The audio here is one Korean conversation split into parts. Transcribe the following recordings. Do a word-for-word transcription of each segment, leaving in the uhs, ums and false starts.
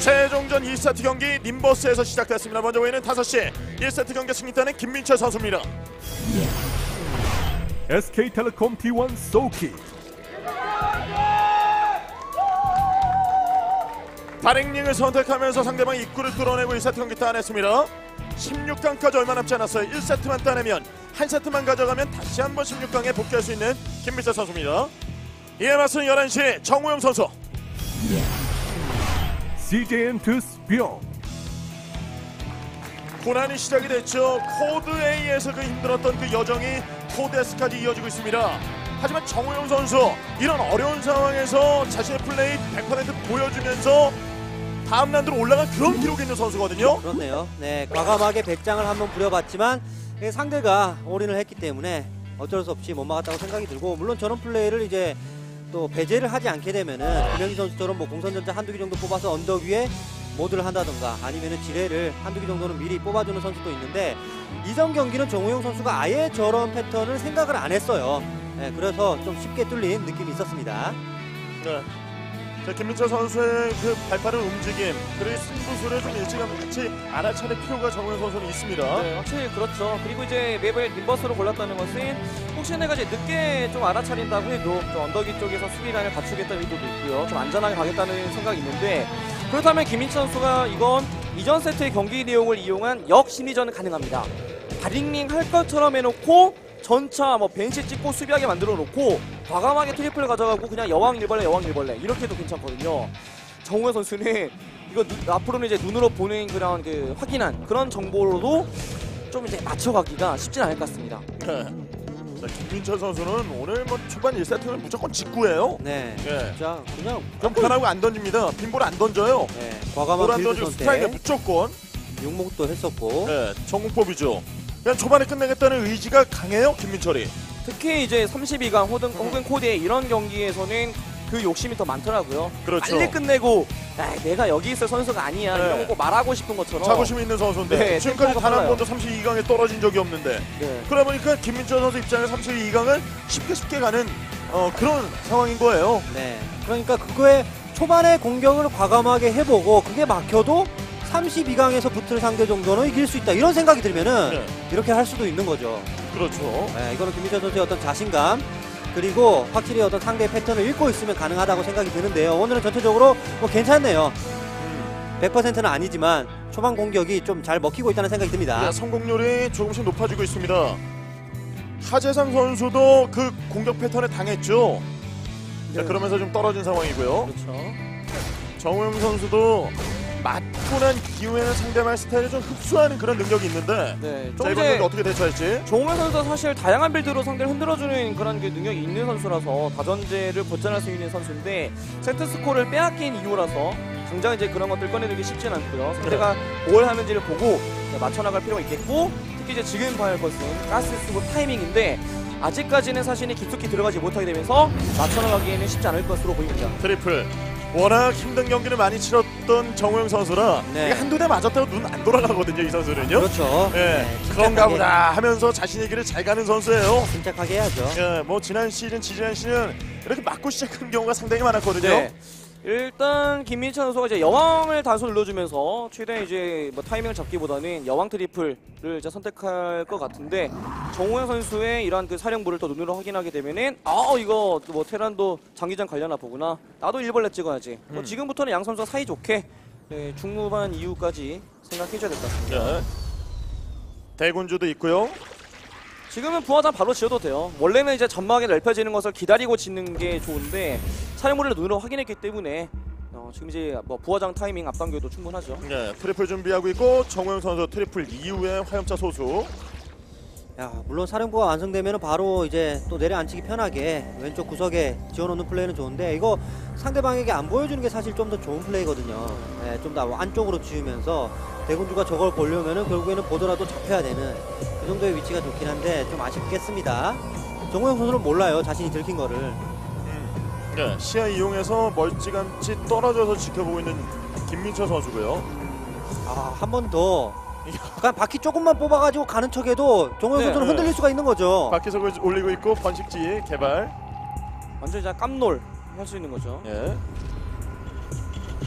최종전 이 세트 경기 님버스에서 시작됐습니다. 먼저 보이는 다섯 시 일 세트 경기 승리단은 김민철 선수입니다. 에스케이텔레콤 티 원 소키 다랭링을 선택하면서 상대방 입구를 뚫어내고 이 세트 경기 따냈습니다. 십육 강까지 얼마 남지 않았어요. 일 세트만 따내면 한 세트만 가져가면 다시 한번 십육 강에 복귀할 수 있는 김민철 선수입니다. 이에 맞서는 열한 시 정우영 선수. 씨제이엔 투스병 고난이 시작이 됐죠. 코드 A에서 그 힘들었던 그 여정이 코드 S까지 이어지고 있습니다. 하지만 정우영 선수 이런 어려운 상황에서 자신의 플레이 백 퍼센트 보여주면서 다음 라운드로 올라간 그런 기록이 있는 선수거든요. 그렇네요. 네, 과감하게 배짱을 한번 부려봤지만 상대가 올인을 했기 때문에 어쩔 수 없이 못 막았다고 생각이 들고, 물론 저런 플레이를 이제 또 배제를 하지 않게 되면은 김영희 선수처럼 뭐 공선전자 한두 개 정도 뽑아서 언덕 위에 모드를 한다던가 아니면은 지뢰를 한두 개 정도는 미리 뽑아주는 선수도 있는데, 이전 경기는 정우영 선수가 아예 저런 패턴을 생각을 안 했어요. 네, 그래서 좀 쉽게 뚫린 느낌이 있었습니다. 네. 자, 김민철 선수의 그 발빠른 움직임 그리고 승부수를 좀 일찌감치 알아차릴 필요가 정우영 선수는 있습니다. 네, 확실히 그렇죠. 그리고 이제 맵을 님버스로 골랐다는 것은 혹시 내가 이제 늦게 좀 알아차린다고 해도 좀 언덕이 쪽에서 수비라인을 갖추겠다는 의도도 있고요. 좀 안전하게 가겠다는 생각이 있는데, 그렇다면 김민철 선수가 이건 이전 세트의 경기 내용을 이용한 역심리전은 가능합니다. 다링링 할 것처럼 해놓고 전차 뭐 벤시 찍고 수비하게 만들어 놓고 과감하게 트리플을 가져가고 그냥 여왕 일벌레 여왕 일벌레 이렇게 해도 괜찮거든요. 정우영 선수는 이거 누, 앞으로는 이제 눈으로 보는 그런 그 확인한 그런 정보로도 좀 이제 맞춰가기가 쉽진 않을 것 같습니다. 네. 자, 김민철 선수는 오늘 뭐 초반 일 세트는 무조건 직구예요. 네, 예. 진짜 그냥 좀 편하고 안 던집니다. 빈볼 안 던져요. 네, 볼 과감한 안 빌드 던지고 스트라이크 선택, 무조건. 육목도 했었고. 네, 전공법이죠. 그냥 초반에 끝내겠다는 의지가 강해요, 김민철이. 특히 이제 삼십이 강 혹은, 혹은 코디의 이런 경기에서는 그 욕심이 더 많더라고요. 그렇죠. 빨리 끝내고 야, 내가 여기 있을 선수가 아니야 네. 이런 거 말하고 싶은 것처럼 자부심 있는 선수인데 네, 지금까지 템포가 단 한 빨라요. 번도 삼십이 강에 떨어진 적이 없는데 네. 그러다 보니까 김민철 선수 입장에서 삼십이 강을 쉽게 쉽게 가는 어, 그런 상황인 거예요. 네, 그러니까 그거에 초반에 공격을 과감하게 해보고 그게 막혀도 삼십이 강에서 붙을 상대 정도는 이길 수 있다 이런 생각이 들면은 네. 이렇게 할 수도 있는 거죠. 그렇죠. 네, 이거는 김민철 선수의 어떤 자신감, 그리고 확실히 어떤 상대의 패턴을 읽고 있으면 가능하다고 생각이 드는데요. 오늘은 전체적으로 뭐 괜찮네요. 음. 백 퍼센트는 아니지만 초반 공격이 좀 잘 먹히고 있다는 생각이 듭니다. 네, 성공률이 조금씩 높아지고 있습니다. 하재상 선수도 그 공격 패턴에 당했죠. 자, 네. 그러면서 좀 떨어진 상황이고요. 그렇죠. 정우영 선수도 맞고 난 이후에는 상대방의 스타일을 좀 흡수하는 그런 능력이 있는데 네, 자, 좀 이번 이제 경기 어떻게 대처할지. 정우영 선수가 사실 다양한 빌드로 상대를 흔들어주는 그런 그 능력이 있는 선수라서 다전제를 벗어날 수 있는 선수인데 세트 스코어를 빼앗긴 이유라서 당장 이제 그런 것들 꺼내들기 쉽진 않고요. 상대가 뭘 하는지를 보고 맞춰나갈 필요가 있겠고, 특히 이제 지금 봐야 할 것은 가스 쓰고 타이밍인데 아직까지는 사실이 깊숙이 들어가지 못하게 되면서 맞춰나가기에는 쉽지 않을 것으로 보입니다. 트리플. 워낙 힘든 경기를 많이 치렀던 정우영 선수라 네. 이게 한두 대 맞았다고 눈 안 돌아가거든요, 이 선수는요. 그렇죠. 예, 네, 그런가 침착하게, 보다 하면서 자신의 길을 잘 가는 선수예요. 침착하게 해야죠. 예, 뭐 지난 시즌, 지지난 시즌 이렇게 맞고 시작한 경우가 상당히 많았거든요. 네. 일단 김민철 선수가 이제 여왕을 단수 눌러주면서 최대 이제 뭐 타이밍을 잡기보다는 여왕 트리플을 이제 선택할 것 같은데, 정우영 선수의 이러한 그 사령부를 더 눈으로 확인하게 되면은 아 이거 뭐 테란도 장기전 갈려나 보구나, 나도 일벌레 찍어야지. 뭐 음. 지금부터는 양 선수가 사이 좋게 네, 중후반 이후까지 생각해줘야 될 것 같습니다. 예. 대군주도 있고요. 지금은 부하장 바로 지어도 돼요. 원래는 이제 점막이 넓혀지는 것을 기다리고 짓는 게 좋은데 사령부를 눈으로 확인했기 때문에 어, 지금 이제 뭐 부하장 타이밍 앞당겨도 충분하죠. 예, 트리플 준비하고 있고 정우영 선수 트리플 이후에 화염차 소수. 야, 물론 사령부가 완성되면 바로 이제 또 내려앉히기 편하게 왼쪽 구석에 지어놓는 플레이는 좋은데, 이거 상대방에게 안 보여주는 게 사실 좀 더 좋은 플레이거든요. 네, 좀 더 안쪽으로 지으면서 대군주가 저걸 보려면은 결국에는 보더라도 잡혀야 되는 그 정도의 위치가 좋긴 한데 좀 아쉽겠습니다. 정우영 선수는 몰라요, 자신이 들킨 거를. 음. 예, 시야 이용해서 멀찌감치 떨어져서 지켜보고 있는 김민철 선수고요. 아, 한 번 더 그냥 바퀴 조금만 뽑아가지고 가는 척해도 정우영 네, 선수는 네. 흔들릴 수가 있는 거죠. 바퀴석을 올리고 있고 번식지 개발. 완전 히 깜놀 할 수 있는 거죠. 예.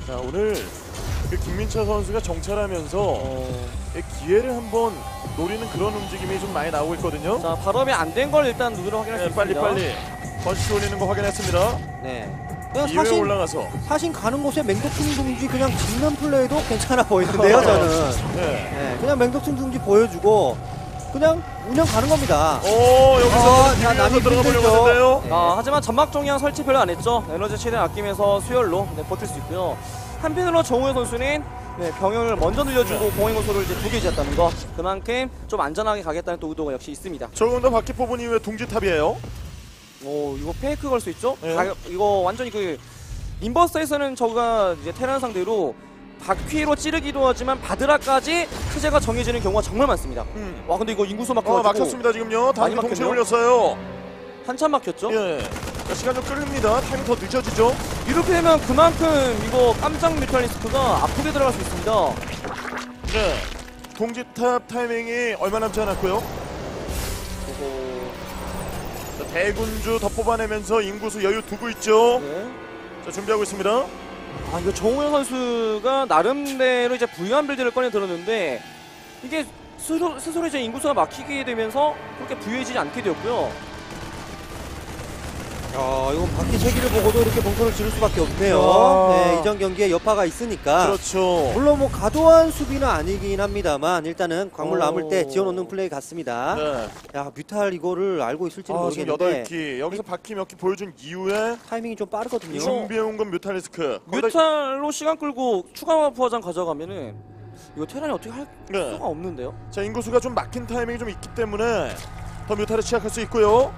자, 오늘 그 김민철 선수가 정찰하면서 어... 이 기회를 한번 노리는 그런 움직임이 좀 많이 나오고 있거든요. 자, 발업이 안 된 걸 일단 눈으로 확인할 수 네, 빨리 있습니다. 빨리 번시 올리는 거 확인했습니다. 네. 그냥 이회 사신 올라가서 사신 가는 곳에 맹독충 둥지 그냥 짓는 플레이도 괜찮아 보이는데요, 저는. 네. 네, 그냥 맹독충 둥지 보여주고 그냥 운영 가는 겁니다. 오, 여기서 아, 자, 남이 들어가 보려고 힘들죠. 하는데요. 네. 아, 하지만 점막 종양 설치 별로 안 했죠. 에너지 최대한 아끼면서 수열로 네, 버틸 수 있고요. 한편으로 정우영 선수는 네, 병영을 먼저 늘려주고 공행 요소를 이제 두 개 지었다는 거. 그만큼 좀 안전하게 가겠다는 또 의도가 역시 있습니다. 조금 더 바퀴 뽑은 이후에 둥지탑이에요. 오, 이거 페이크 걸 수 있죠? 네. 가, 이거 완전히 그 인버스에서는 저가 이제 테란 상대로 바퀴로 찌르기도 하지만 바드라까지 체제가 정해지는 경우가 정말 많습니다. 음. 와, 근데 이거 인구수 어, 막혀가지고 막혔습니다 지금요. 다시 많이 동시에 막혔네요. 올렸어요. 한참 막혔죠? 예. 자, 시간 좀 끌립니다. 타이밍 더 늦어지죠. 이렇게 되면 그만큼 이거 깜짝 뮤탈리스크가 아프게 들어갈 수 있습니다. 네. 동지탑 타이밍이 얼마 남지 않았고요. 자, 대군주 더 뽑아내면서 인구수 여유 두고 있죠. 네. 자, 준비하고 있습니다. 아, 이거 정우영 선수가 나름대로 이제 부유한 빌드를 꺼내 들었는데 이게 스스로, 스스로 이제 인구수가 막히게 되면서 그렇게 부유해지지 않게 되었고요. 아, 이건 바퀴 세기를 보고도 이렇게 봉선을 지를 수밖에 없네요. 아. 네, 이전 경기에 여파가 있으니까. 그렇죠. 물론 뭐 과도한 수비는 아니긴 합니다만 일단은 광물 오. 남을 때 지어놓는 플레이 같습니다. 네. 야, 뮤탈 이거를 알고 있을지는 아, 지금 모르겠는데 여덟 기. 여기서 바퀴 몇 기 보여준 이후에 타이밍이 좀 빠르거든요. 준비해온 건 뮤탈리스크. 거기다- 뮤탈로 시간 끌고 추가 부하장 가져가면은 이거 테란이 어떻게 할 네. 수가 없는데요? 자, 인구수가 좀 막힌 타이밍이 좀 있기 때문에 더 뮤탈을 취약할 수 있고요.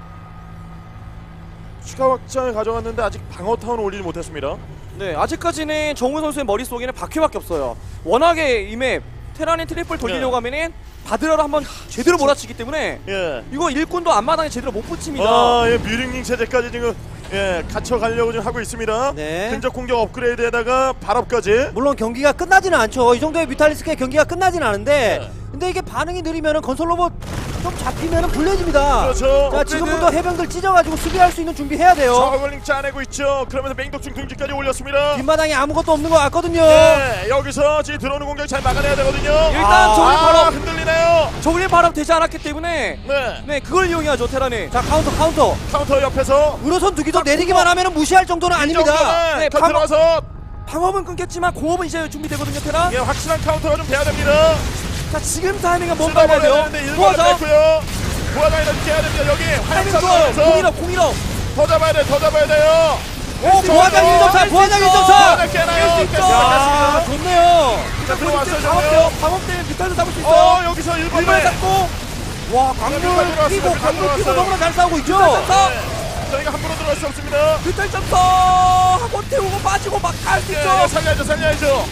추가 확장을 가져갔는데 아직 방어 타운을 올리지 못했습니다. 네, 아직까지는 정우 선수의 머릿속에는 바퀴밖에 없어요. 워낙에 이 맵 테란의 트리플 돌리려고 네. 하면은 바드라를 한번 제대로 몰아치기 때문에 예. 이거 일꾼도 앞마당에 제대로 못 붙입니다. 아, 예, 뮤링링 체제까지 지금 예, 갇혀 가려고 지금 하고 있습니다. 네. 근접 공격 업그레이드에다가 발업까지. 물론 경기가 끝나지는 않죠. 이 정도의 뮤탈리스크의 경기가 끝나지는 않은데 네. 근데 이게 반응이 느리면은 건설 로봇 좀 잡히면은 불리해집니다. 그렇죠. 자, 업그레이드. 지금부터 해병들 찢어가지고 수비할 수 있는 준비해야 돼요. 저글링 짜내고 있죠. 그러면서 맹독충 둥지까지 올렸습니다. 뒷마당에 아무것도 없는 것 같거든요. 네, 여기서 지금 들어오는 공격 잘 막아내야 되거든요. 일단 아, 저글링 아, 바로 흔들리네요. 저글링 발업 되지 않았기 때문에 네, 네, 그걸 이용해야죠 테란이. 자, 카운터 카운터. 카운터 옆에서 우로선 두기도 내리기만 하면은 무시할 정도는 아닙니다. 네, 더 방- 들어가서 방어은 끊겼지만 공업은 이제 준비되거든요 테란. 예, 확실한 카운터가 좀 돼야 됩니다. 자, 지금 타이밍은 뭔가 해야 쓰다버려야 돼요. 되는데 일본을 부하장 뺐고요. 부하장이 넘게 해야 됩니다. 여기 타이밍 화염차 좋아요. 들어가서 공일업 공일업. 더 잡아야 돼, 더 잡아야 돼요. 오, 부하장 일 점차, 부하장 일 점차. 부하장 깨나요? 깰수 있죠. 깼습니다, 야, 깼습니다. 좋네요. 자, 들어왔어요, 방업 저요. 방업 때문에 뮤탈도 잡을 수 있어요. 어, 여기서 일본에 일본에 잡고 와, 뮤탈 광물 들어왔어요, 끼고 뮤탈 광물 끼고 들어왔어요. 너무나 잘 싸우고 있죠. 점사 네, 저희가 함부로 들어갈 수 없습니다. 뮤탈 점사 하고 태우고 빠지고 막 갈 수 예, 있죠. 예, 살려야죠, 살려야죠.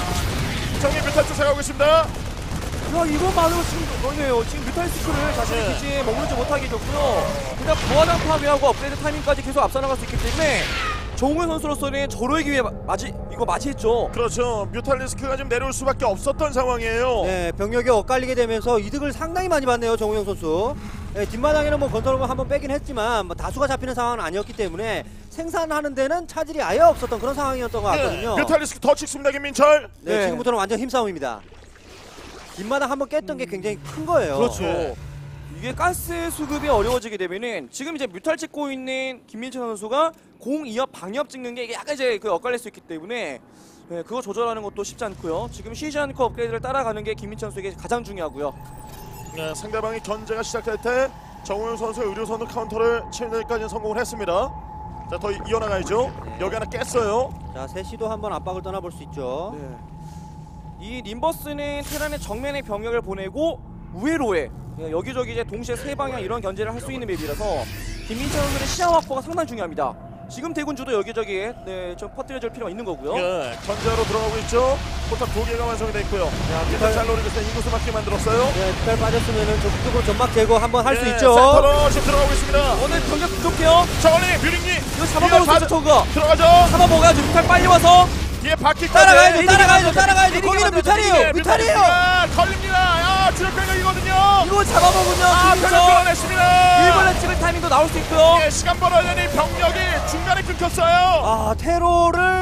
정리 뮤탈 쫓아가고 있습니다. 야, 이것만으로 지금 너네요. 지금 뮤탈리스크를 자신의 네. 기지에 머무르지 못하게 해줬고요. 그냥 부하장 파괴하고 업그레이드 타이밍까지 계속 앞서 나갈 수 있기 때문에 정우영 선수로서는 절호의 기회 마- 맞이 이거 맞이했죠. 그렇죠. 뮤탈리스크가 좀 내려올 수밖에 없었던 상황이에요. 네, 병력이 엇갈리게 되면서 이득을 상당히 많이 봤네요, 정우영 선수. 네, 뒷마당에는 뭐 건설로만 한번 빼긴 했지만 뭐 다수가 잡히는 상황은 아니었기 때문에 생산하는 데는 차질이 아예 없었던 그런 상황이었던 것 같거든요. 네, 뮤탈리스크 더 찍습니다, 김민철. 네, 네. 지금부터는 완전 힘싸움입니다. 뒷마당 한번 깼던 게 굉장히 큰 거예요. 그렇죠. 네. 이게 가스 수급이 어려워지게 되면은 지금 이제 뮤탈 찍고 있는 김민철 선수가 공 이 업 방역 찍는 게 이게 약간 이제 그 엇갈릴 수 있기 때문에 네, 그거 조절하는 것도 쉽지 않고요. 지금 쉬지 않고 업그레이드를 따라가는 게 김민철 선수에게 가장 중요하고요. 네, 상대방이 견제가 시작할 때 정우영 선수의 의료선으로 카운터를 치는 데까지는 성공을 했습니다. 자, 더 이- 이어나가야죠. 네. 여기 하나 깼어요. 자, 셋시도 한번 압박을 떠나볼 수 있죠. 네. 이 림버스는 테란의 정면에 병력을 보내고 우회로에 네, 여기저기 이제 동시에 세 방향 이런 견제를 할 수 있는 맵이라서 김민철 선수의 시야 확보가 상당히 중요합니다. 지금 대군주도 여기저기에 네, 좀 퍼뜨려줄 필요가 있는 거고요. 예, 견제로 들어가고 있죠. 포탑 두 개가 완성이 돼 있고요. 야, 뮤탈 잘 노리고 있어요. 인구수 맞게 만들었어요. 네, 뮤탈 빠졌으면은 적극적으로 전막 제거 한번 할 수 예, 있죠. 센터로 지금 들어가고 있습니다. 오늘 병력 부족해요. 저걸리 뮤링님 이거 잡아먹을 수 있죠, 저거. 들어가죠. 잡아먹어야죠. 뮤탈 빨리 와서. 뒤에 바퀴까지 따라가야죠, 네, 따라가야죠, 내리기만 따라가야죠. 내리기만 거기는 하면 뮤탈이에요, 예, 뮤탈이에요. 뮤탈입니다. 걸립니다. 아, 주력 병력이거든요. 이거 잡아먹으면 아, 김민철 병력 끌어냈습니다. 일본에 찍을 타이밍도 나올 수 있고요. 예, 시간 벌어야 되니 병력이 중간에 끊겼어요. 아, 테러를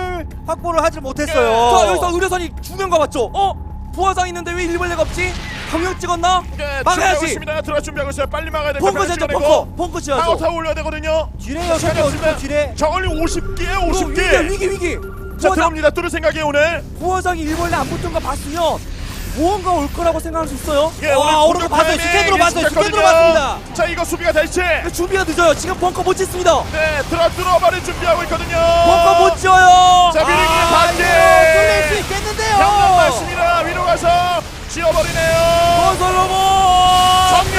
확보를 하지 자, 못했어요. 여기서 의료선이 두 명 가봤죠. 어? 부하장 있는데 왜 일벌레가 없지? 병력 찍었나? 네, 막아야지. 있습니다. 들어갈 준비하고 있어요. 빨리 막아야 돼요. 펑크 제죠, 펑크. 펑크 지어야죠. 타워 타워 올려야 되거든요. 지뢰 여섯 개 어디서 지뢰? 저걸리 오십 개에 오십 위기, 개. 위기, 위기. 자, 부하장, 들어옵니다. 뚫을 생각이에요, 오늘. 부하장이 일벌레 안 붙은 거 봤으면 무언가 올 거라고 생각할 수 있어요. 예, 와, 오늘 오른 거 공격 봤어요. 타이밍 스캔으로 봤어요. 예측했거든요. 스캔으로 봤습니다. 자, 이거 수비가 될지. 근데 준비가 늦어요. 지금 벙커 못 짓습니다. 네, 들어 들어버릴 준비하고 있거든요. 벙커 못 지어요. 자, 미리 아, 반개. 이거 뚫릴 수 있겠는데요. 병력 맞습니다. 위로 가서 지어버리네요. 건설 로봇. 정리.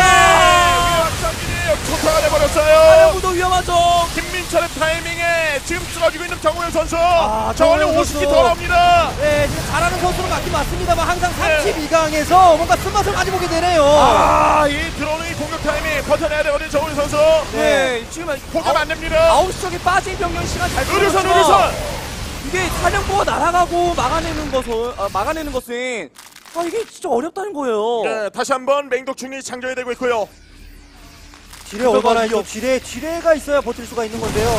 위압장기이 초타가 돼버렸어요. 사령부도 위험하죠. 김민철의 타이밍에 지금 쓰러지고 있는 정우영 선수. 아, 저걸리 정우영 오십 개 선수. 더 나옵니다. 네, 지금 잘하는 선수는 맞긴 맞습니다만 항상 네. 삼십이 강에서 뭔가 쓴맛을 많이 보게 되네요. 아, 이 들어오는 이 공격 타이밍 버텨내야 되거든요, 정우영 선수. 네, 지금 포기하면 안 됩니다. 아홉 시 쪽에 빠진 병력 시간 잘 의료선, 끌었죠. 의료선. 이게 사령부가 날아가고 막아내는 것은 아, 막아내는 것은 아 이게 진짜 어렵다는 거예요. 네, 다시 한번 맹독 중리 장전이 되고 있고요. 지뢰 얼마나 있죠? 지뢰, 지뢰가 있어야 버틸 수가 있는 건데요.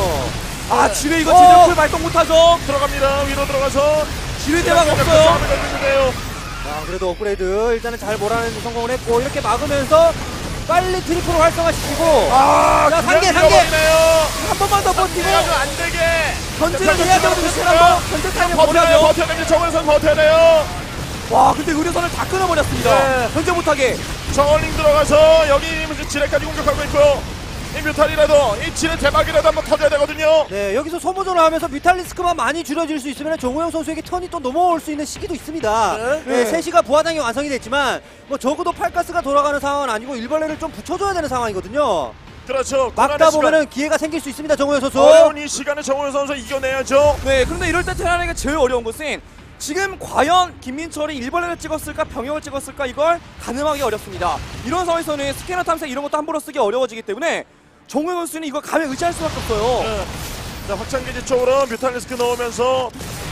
아 지뢰 이거 어. 제대로 발동 못하죠. 들어갑니다. 위로 들어가서 지뢰 대박 없어요. 싸움을 걸리는데요. 자, 그래도 업그레이드 일단은 잘 몰아내는 성공을 했고 이렇게 막으면서 빨리 트리플을 활성화시키고 아, 자, 그냥 상계, 상계. 밀어버리네요. 한 번만 더 버티고 이래가지고 안 되게. 견제를 자, 해야 병력 되거든요. 찍었습니다. 한번 견제 타이밍 버텨내요, 보내죠. 버텨냅니다. 정우영 선수 버텨내요. 와 근데 의료선을 다 끊어버렸습니다. 네. 견제 못하게. 정얼링 들어가서 여기 지뢰까지 공격하고 있고요. 이 뮤탈이라도 이 지뢰 대박이라도 한번 터져야 되거든요. 네, 여기서 소모전을 하면서 뮤탈리스크만 많이 줄여줄 수 있으면 정우영 선수에게 턴이 또 넘어올 수 있는 시기도 있습니다. 네. 네, 세 시가 부하장이 완성이 됐지만 뭐 적어도 팔가스가 돌아가는 상황은 아니고 일벌레를 좀 붙여줘야 되는 상황이거든요. 그렇죠. 막다 고난의 보면은 기회가 생길 수 있습니다, 정우영 선수. 시간, 어려운 이 시간을 정우영 선수 이겨내야죠. 네 그런데 이럴 때 테란에게 제일 어려운 것은 지금 과연 김민철이 일벌레를 찍었을까 병역을 찍었을까 이걸 가늠하기 어렵습니다. 이런 상황에서는 스캐너 탐색 이런 것도 함부로 쓰기 어려워지기 때문에 정우영 선수는 이거 감에 의지할 수밖에 없어요. 네. 자, 확장기지 쪽으로 뮤탈리스크 넣으면서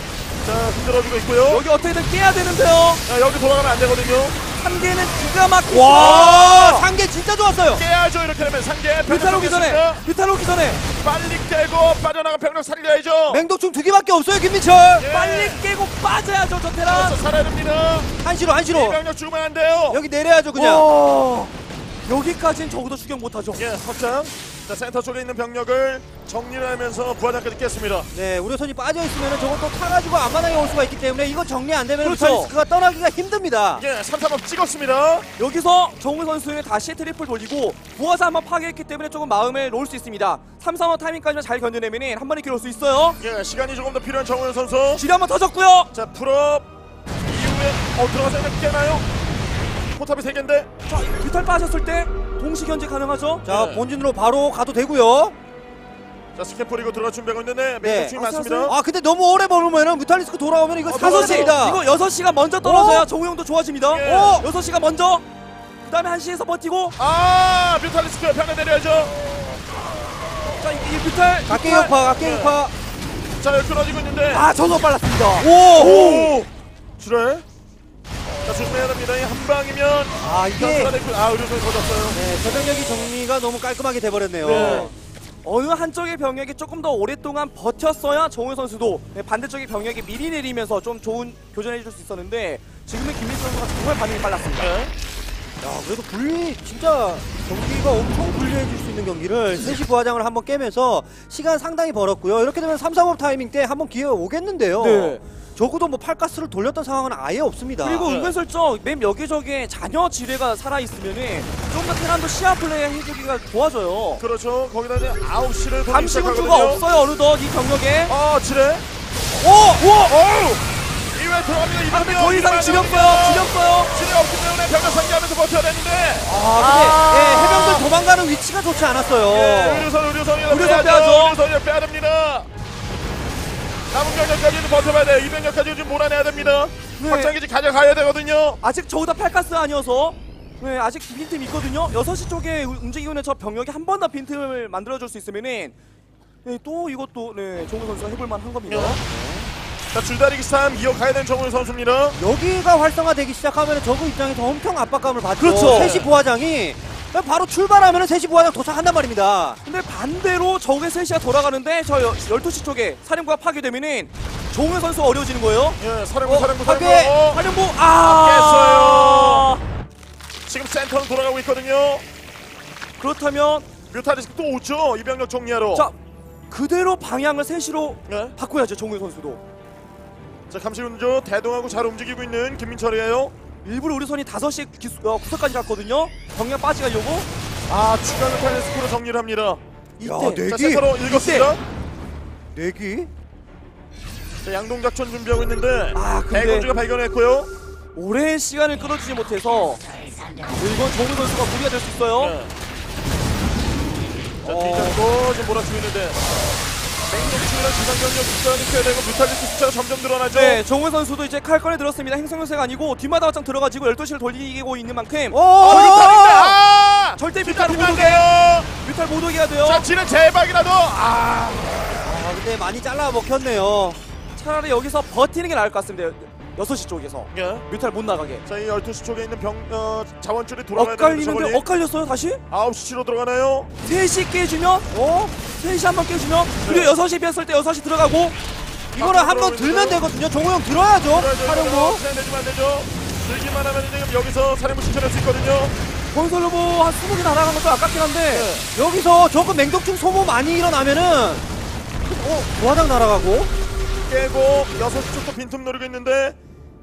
자, 흔들어주고 있고요. 여기 어떻게든 깨야 되는데요. 자, 여기 돌아가면 안 되거든요. 한 개는 기가 막히죠. 와, 상계 진짜 좋았어요. 깨야죠. 이렇게 되면 상계. 뮤탈 오기 전에 뮤탈 오기 전에 빨리 깨고 빠져나간 병력 살려야죠. 맹독충 두 개밖에 없어요, 김민철. 예. 빨리 깨고 빠져야죠 저 테란. 그래서 살아야 됩니다. 한시로, 이 한시로. 병력 죽으면 안 돼요. 여기 내려야죠, 그냥. 와, 여기까지는 적어도 추격 못하죠. 예, 확장. 자, 센터 쪽에 있는 병력을 정리를 하면서 부하장까지 깼습니다. 네, 우려선이 빠져 있으면 저건 또 타가지고 앞마당에 올 수가 있기 때문에 이거 정리 안 되면 그렇죠. 뮤탈리스크가 떠나기가 힘듭니다. 예, 삼삼업 찍었습니다. 여기서 정우 선수는 다시 트리플 돌리고 부하사 한번 파괴했기 때문에 조금 마음을 놓을 수 있습니다. 삼, 삼 호 타이밍까지만 잘 견뎌내면 한 번에 기울 수 있어요. 예, 시간이 조금 더 필요한 정우영 선수. 지뢰 한번 터졌고요. 자, 풀업 이후에 어 들어가서 그냥 깨나요? 포탑이 세 개인데. 자, 뮤탈 빠졌을 때 동시 견제 가능하죠. 자, 네. 본진으로 바로 가도 되고요. 자, 스캔 뿌리고 들어가 준비하고 있는데 네. 맹독충이 많습니다. 아, 근데 너무 오래 머무면은 뮤탈리스크 돌아오면 이거 어, 다섯 시 사선입니다. 이거 여섯 시가 먼저 떨어져야 오! 정우영도 좋아집니다. 예. 오! 여섯 시가 먼저. 그다음에 한 시에서 버티고 아, 뮤탈리스크 편에 내려야죠. 자, 이, 이 뮤탈 각계 뮤탈. 역파, 각계 네. 역파. 자, 여기 끊어지고 있는데. 아, 저도 빨랐습니다. 오! 오! 줄에. 자, 조심해야 됩니다. 이 한 방이면 아, 이게 아, 의료선이 터졌어요. 네, 저병력이 정리가 너무 깔끔하게 돼버렸네요. 네. 어느 한쪽의 병력이 조금 더 오랫동안 버텼어야 정우영 선수도 네, 반대쪽의 병력이 미리 내리면서 좀 좋은 교전해 줄 수 있었는데 지금은 김민수 선수가 정말 반응이 빨랐습니다. 네. 야, 그래도 분리 진짜 경기가 엄청 불리해질 수 있는 경기를 세 시 부하장을 한번 깨면서 시간 상당히 벌었고요. 이렇게 되면 삼, 삼업 타이밍 때 한번 기회가 오겠는데요. 네. 적어도 뭐 팔가스를 돌렸던 상황은 아예 없습니다. 그리고 네. 은근슬쩍 맵 여기저기에 잔여 지뢰가 살아있으면은 좀 더 테란도 시야 플레이 해주기가 좋아져요. 그렇죠. 거기다 이제 아홉 시를 돌리기 감시 군주가 시작하거든요. 없어요 어느덧 이 병력에. 아, 지뢰. 오! 오! 어우! 이외에 들어갑니다. 아, 근데 이병력, 더 이상 이병력, 지렸어요 이병력. 지렸어요. 지뢰 없기 때문에 병력 상기하면서 버텨야 되는데. 아, 근데 예, 해병들 도망가는 위치가 좋지 않았어요. 예, 의료선, 의료선이 의료선 빼야죠. 빼야죠. 의료선이 빼야 됩니다. 남은 병력까지는 버텨봐야 돼요. 이 병력까지 좀 몰아내야 됩니다. 네. 확장기지 가져가야 되거든요. 아직 저보다 팔가스 아니어서 네, 아직 빈틈이 있거든요. 여섯 시 쪽에 우- 움직이고 있는 저 병력이 한 번 더 빈틈을 만들어줄 수 있으면은 네, 또 이것도 네, 정우 선수가 해볼만 한 겁니다. 자, 줄다리기 싸움 이어가야 되는 정우영 선수입니다. 여기가 활성화되기 시작하면 저그 입장에서 엄청 압박감을 받죠. 그렇죠. 세 시 부하장이 바로 출발하면 세 시 부하장 도착한단 말입니다. 근데 반대로 적의 셋시가 돌아가는데 저 여- 열두 시 쪽에 사령부가 파괴되면은 정우영 선수 어려워지는 거예요. 예, 사령부, 어, 사령부, 파괴! 사령부. 활용부 아 깼어요. 지금 센터는 돌아가고 있거든요. 그렇다면 뮤타리스크 또 오죠. 이 병력 정리하러. 자 그대로 방향을 셋시로 예. 바꿔야죠. 정우영 선수도 자, 감시운조 대동하고 잘 움직이고 있는 김민철이에요. 일부러 우리 선이 다섯 시 기수, 어, 구석까지 갔거든요. 병력 빠지가려고 아, 추가 뮤타리스크로 정리를 합니다. 야, 이때 자, 내기. 센터로 읽었습니다. 내기. 자, 양동작전 준비하고 있는데 아, 근데- 대군주가 발견했고요. 오랜 시간을 끌어주지 못해서 이건 정우영 선수가 무리가 될 수 있어요. 네. 자, 어. 뒤잡고 지금 몰아치고 있는데 맹독충이랑 기상병력 숫자는 켜야 되고 뮤탈리스크 숫자가 점점 늘어나죠. 네, 정우영 선수도 이제 칼 꺼내 들었습니다. 행성요새가 아니고 뒷마당 확장 들어가지고 열두 시를 돌리고 있는 만큼 오! 어, 뮤탈인데! 아! 절대 진짜 뮤탈 못 안 오게 돼요. 뮤탈 못 오게 해야 돼요. 자, 지는 제박이라도 아! 아, 근데 많이 잘라 먹혔네요. 차라리 여기서 버티는 게 나을 것 같습니다. 여섯 시 쪽에서 예. 뮤탈 못 나가게. 자, 이 열두 시 쪽에 있는 병 어, 자원줄이 돌아가야 되는데 엇갈리는데 저걸리 엇갈렸어요 다시? 아홉 시로 들어가나요? 세 시 깨주면 어? 세 시 한번 깨주면 그리고 여섯 시 비었을 때 여섯 시 들어가고 이거를 아, 한번 들어오고 들면 있는데요? 되거든요. 정우영 들어야죠. 활용부. 사령부 내주면 안 되죠. 들기만 하면 지금 여기서 사령부 신청할 수 있거든요. 건설 로보 한 스무 개 날아간 것도 아깝긴 한데 여기서 조금 맹독충 소모 많이 일어나면은 어, 부하장 날아가고. 깨고 여섯 시 쪽도 빈틈 노리고 있는데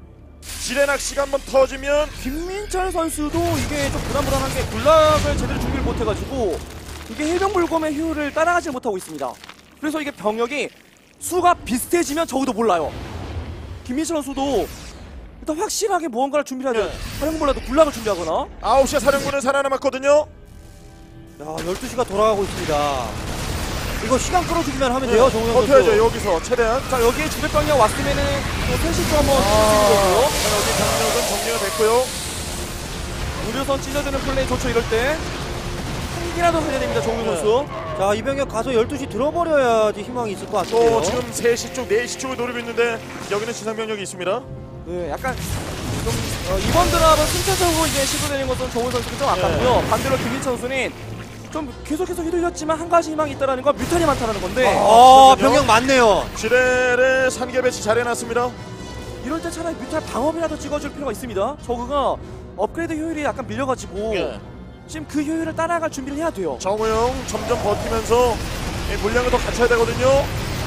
지뢰낚시가 한번 터지면 김민철 선수도 이게 좀 불안불안한 게 군락을 제대로 준비를 못해가지고 이게 해병불검의 효율을 따라가지 못하고 있습니다. 그래서 이게 병력이 수가 비슷해지면 저우도 몰라요. 김민철 선수도 일단 확실하게 무언가를 준비해야 돼요. 네. 활용 몰라도 군락을 준비하거나. 아홉 시에 사령부는 살아남았거든요. 야, 열두 시가 돌아가고 있습니다. 이거 시간 끌어주기만 하면 돼요, 정우영 선수. 버텨야죠. 여기서 최대한. 자 여기에 주백병력 왔으면은 세 시 쪽 한번 아, 찢어지는 거고요. 자, 여기 병력은 정리가 됐고요. 우려선 찢어주는 플레이 좋죠 이럴 때. 한 개라도 살려야 됩니다 정우 네. 선수. 자, 이 병력 가서 열두 시 들어버려야지 희망이 있을 것 같은데요. 또 지금 세 시 쪽, 네 시 쪽을 노리고 있는데 여기는 지상병력이 있습니다. 네, 약간 좀 어, 이번 드랍은 순차적으로 이제 시도되는 것은 정우 선수가 좀 아깝고요. 반대로 김민철 선수는 좀 계속해서 휘둘렸지만 한 가지 희망이 있다라는 건 뮤탄이 많다라는 건데 어, 잠깐만요. 병력 많네요. 지뢰를 산개 배치 잘 해놨습니다. 이럴 때 차라리 뮤탄 방어이라도 찍어줄 필요가 있습니다. 저그가 업그레이드 효율이 약간 밀려가지고 예. 지금 그 효율을 따라갈 준비를 해야 돼요. 정우영 점점 버티면서 이 물량을 더 갖춰야 되거든요.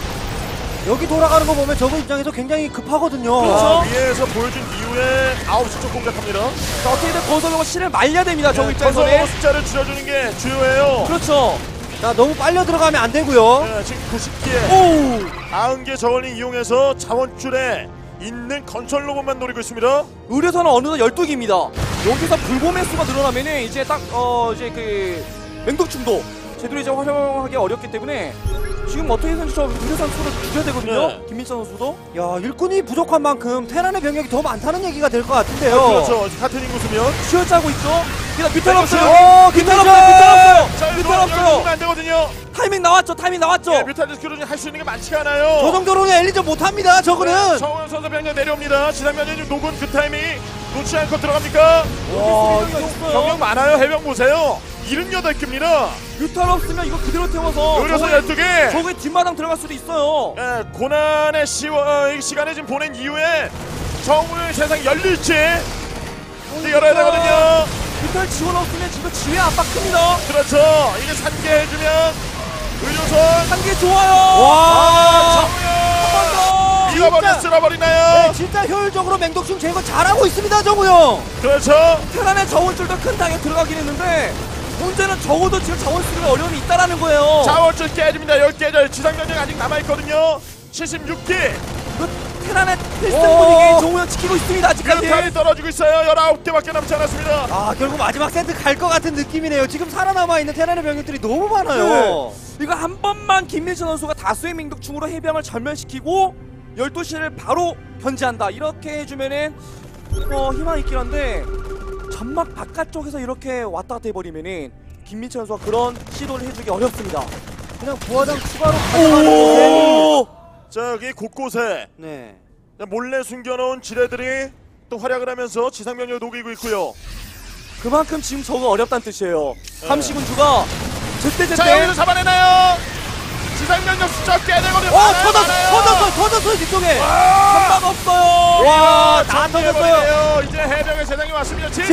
여기 돌아가는 거 보면 저거 입장에서 굉장히 급하거든요. 그렇죠. 아, 위에서 보여준 이후에 아홉 시 쪽 공략합니다. 자, 어떻게든 건설로고 실을 말려야 됩니다. 저그 네, 입장에서는. 건설 숫자를 줄여주는 게 주요해요. 그렇죠. 자, 너무 빨려 들어가면 안 되고요. 네, 지금 구십 개, 오! 구십 개 저울링 이용해서 자원줄에 있는 건설 로봇만 노리고 있습니다. 의료선은 어느덧 열두 개입니다. 여기서 불곰의 수가 늘어나면은 이제 딱 어 이제 그 맹독충도 제대로 이제 활용하기 어렵기 때문에 지금 어떻게든 저 의료선 수를 줄여야 되거든요. 네. 김민철 선수도. 야, 일꾼이 부족한 만큼 테란의 병력이 더 많다는 얘기가 될 것 같은데요. 그렇죠. 같은 인구수면. 쉬어짜고 있죠. 그냥 뮤탈 네, 없어요. 어, 뮤탈 김민철! 없어요. 뮤탈 없어요. 자, 뮤탈 없어요. 안 되거든요. 타이밍 나왔죠. 타이밍 나왔죠. 네, 뮤탈리스크로는 할 수 있는 게 많지가 않아요. 저 정도로는 엘리전 못합니다, 저거는. 정우영 선수 병력 내려옵니다. 지상면에 녹은 그 타이밍 놓지 않고 들어갑니까? 와, 병력 이거 많아요. 해병 보세요. 일흔여덟 개입니다. 뮤탈 없으면 이거 그대로 태워서 의료선 저거에- 열두 개. 저거에 뒷마당 들어갈 수도 있어요. 예, 고난의 시와, 이 시간을 지금 보낸 이후에 정우영 세상 열릴지 이제 열어야 되거든요. 뮤탈 지원 없으면 지금 지휘 압박 큽니다. 그렇죠. 이게 산개 해주면 의료선 한 개 좋아요. 아, 한 번 정우영 더. 잃어버려 진짜. 쓸어버리나요? 네, 진짜 효율적으로 맹독충 제거 잘하고 있습니다, 정우영. 그렇죠. 테란의 자원줄도 큰 땅에 들어가긴 했는데 문제는 적어도 지금 자원 쓰기가 어려움이 있다라는 거예요. 자원줄 깨집니다. 열 개절 지상병력 아직 남아있거든요. 칠십육 개. 그 테란의 필승 오. 분위기 정우영 지키고 있습니다. 아직까지. 뮤탄이 떨어지고 있어요. 열아홉 개밖에 남지 않았습니다. 아, 결국 마지막 세트 갈 것 같은 느낌이네요. 지금 살아남아있는 테란의 병력들이 너무 많아요. 이거 한 번만 김민철 선수가 다수의 맹독충으로 해병을 전멸시키고 열두 시를 바로 견제한다. 이렇게 해주면은 어, 희망이 있긴 한데 점막 바깥쪽에서 이렇게 왔다 갔다 해버리면은 김민철 선수가 그런 시도를 해주기 어렵습니다. 그냥 부하장 추가로 가져가는 게. 오! 자, 여기 곳곳에 네. 몰래 숨겨놓은 지뢰들이 또 활약을 하면서 지상병력을 녹이고 있고요. 그만큼 지금 저거 어렵다는 뜻이에요. 함시군주가 제때제때 자, 여기서 잡아내나요? 지상병력 숫자 꽤 되거든요. 어, 많아요, 터졌어, 많아요. 터졌어, 터졌어, 뒤쪽에 와! 한방 없어요. 와, 다 터졌어요. 터졌어요. 이제 해병의 세상이 왔습니다. 지지!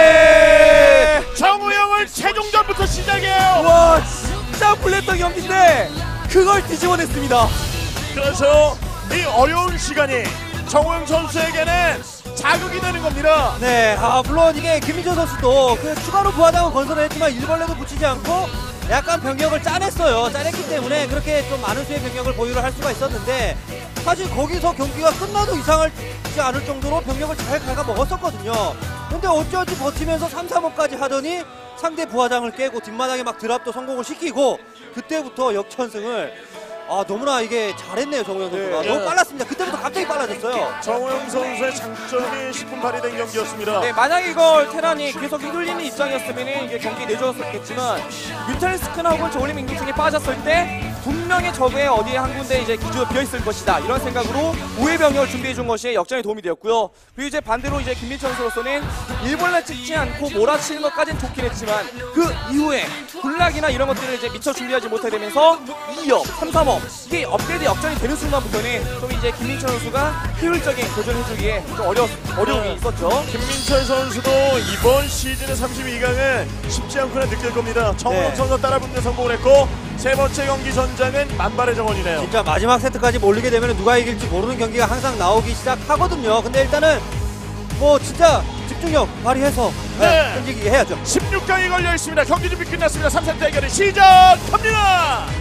정우영을 최종전부터 시작해요. 와, 진짜 불렸던 경기인데 그걸 뒤집어냈습니다. 그래서 이 어려운 시간이 정우영 선수에게는 자극이 되는 겁니다. 네, 아, 물론 이게 김민재 선수도 그 추가로 부하장은 건설을 했지만 일벌레도 붙이지 않고 약간 병력을 짜냈어요. 짜냈기 때문에 그렇게 좀 많은 수의 병력을 보유를 할 수가 있었는데 사실 거기서 경기가 끝나도 이상하지 않을 정도로 병력을 잘 갉아 먹었었거든요. 근데 어찌어찌 버티면서 삼, 삼업까지 하더니 상대 부하장을 깨고 뒷마당에 막 드랍도 성공을 시키고 그때부터 역전승을 아 너무나 이게 잘했네요. 정우영 선수가. 네. 너무 빨랐습니다. 그때부터 갑자기 빨라졌어요. 정우영 선수의 장점이 십분 발휘된 경기였습니다. 네, 만약 이걸 테란이 계속 휘둘리는 입장이었으면 이게 경기 내줬었겠지만 뮤탈리스크나 혹은 저울림 인구층이 빠졌을 때 분명히 적의 어디에 한 군데 이제 기지가 비어있을 것이다 이런 생각으로 우회 병력을 준비해준 것이 역전에 도움이 되었고요. 그리고 이제 반대로 이제 김민철 선수로서는 일벌레 찍지 않고 몰아치는 것까지는 좋긴 했지만 그 이후에 군락이나 이런 것들을 이제 미처 준비하지 못하게 되면서 이 업, 삼, 삼업 이게 업그레이드 역전이 되는 순간부터는 좀 이제 김민철 선수가 효율적인 도전해주기에 좀 어려, 어려움이 있었죠. 김민철 선수도 이번 시즌의 삼십이 강은 쉽지 않구나 느낄 겁니다. 정우영 네. 선수 따라붙는 성공을 했고 세 번째 경기 전장은 만발의 정원이네요. 진짜 마지막 세트까지 몰리게 되면 누가 이길지 모르는 경기가 항상 나오기 시작하거든요. 근데 일단은 뭐 진짜 집중력 발휘해서 네. 네, 던지기 해야죠. 십육 강이 걸려 있습니다. 경기 준비 끝났습니다. 삼 세트 대결이 시작합니다.